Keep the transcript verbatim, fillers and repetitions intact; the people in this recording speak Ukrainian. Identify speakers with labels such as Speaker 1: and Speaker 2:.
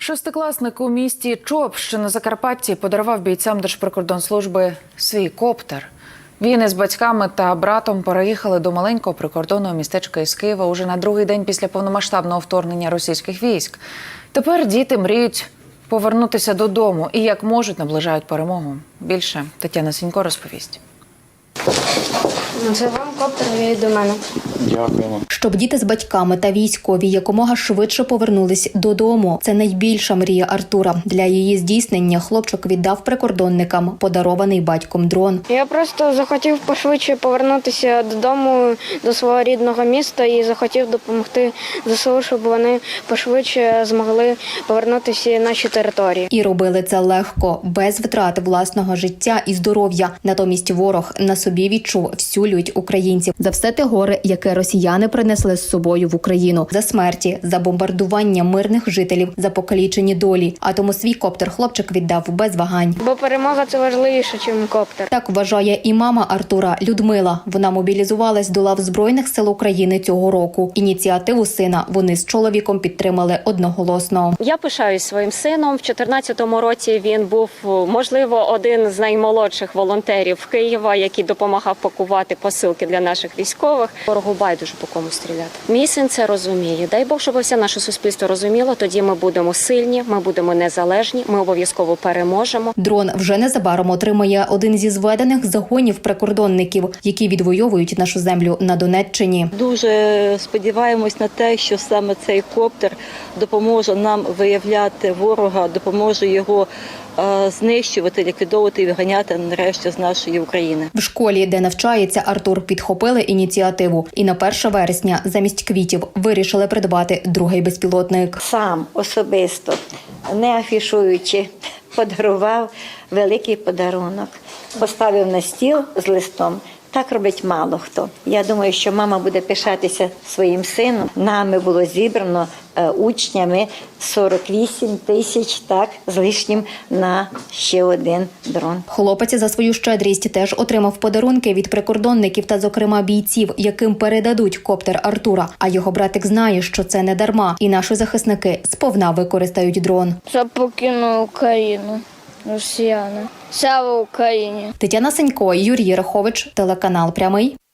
Speaker 1: Шестикласник у місті Чоп, що на Закарпатті, подарував бійцям Держприкордонслужби свій коптер. Він із батьками та братом переїхали до маленького прикордонного містечка із Києва уже на другий день після повномасштабного вторгнення російських військ. Тепер діти мріють повернутися додому і як можуть наближають перемогу. Більше Тетяна Сенько розповість.
Speaker 2: Це вам коптер від до мене.
Speaker 3: Дякуємо.
Speaker 4: Щоб діти з батьками та військові якомога швидше повернулись додому. Це найбільша мрія Артура. Для її здійснення хлопчик віддав прикордонникам подарований батьком дрон.
Speaker 2: Я просто захотів пошвидше повернутися додому, до свого рідного міста і захотів допомогти ЗСУ, щоб вони пошвидше змогли повернутися на наші території.
Speaker 4: І робили це легко, без втрати власного життя і здоров'я. Натомість ворог на собі відчув всю лють українців. За все те горе, яке росіяни принесли з собою в Україну. За смерті, за бомбардування мирних жителів, за покалічені долі. А тому свій коптер хлопчик віддав без вагань.
Speaker 2: Бо перемога – це важливіше, ніж коптер.
Speaker 4: Так вважає і мама Артура Людмила. Вона мобілізувалась до лав Збройних сил України цього року. Ініціативу сина вони з чоловіком підтримали одноголосно.
Speaker 5: Я пишаюсь своїм сином. В чотирнадцятому році він був, можливо, один з наймолодших волонтерів Києва, який допомагав пакувати посилки для наших військових. Ворогу байдуже по кому стріляти. Мій син це розуміє. Дай Бог, щоб все наше суспільство розуміло. Тоді ми будемо сильні, ми будемо незалежні, ми обов'язково переможемо.
Speaker 4: Дрон вже незабаром отримає один зі зведених загонів прикордонників, які відвоюють нашу землю на Донеччині.
Speaker 6: Дуже сподіваємось на те, що саме цей коптер допоможе нам виявляти ворога, допоможе його знищувати, ліквідовувати і виганяти нарешті з нашої України.
Speaker 4: В школі, де навчається Артур, підхопили ініціативу. І на перше вересня замість квітів вирішили придбати другий безпілотник.
Speaker 7: Сам особисто, не афішуючи, подарував великий подарунок. Поставив на стіл з листом. Так робить мало хто. Я думаю, що мама буде пишатися своїм сином. Нами було зібрано е, учнями сорок вісім тисяч, так, з лишнім на ще один дрон.
Speaker 4: Хлопець за свою щедрість теж отримав подарунки від прикордонників та, зокрема, бійців, яким передадуть коптер Артура. А його братик знає, що це не дарма. І наші захисники сповна використають дрон.
Speaker 2: Це покинули Україну, росіяни. Слава Україні!
Speaker 4: Тетяна Сенько, Юрій Рахович, телеканал «Прямий».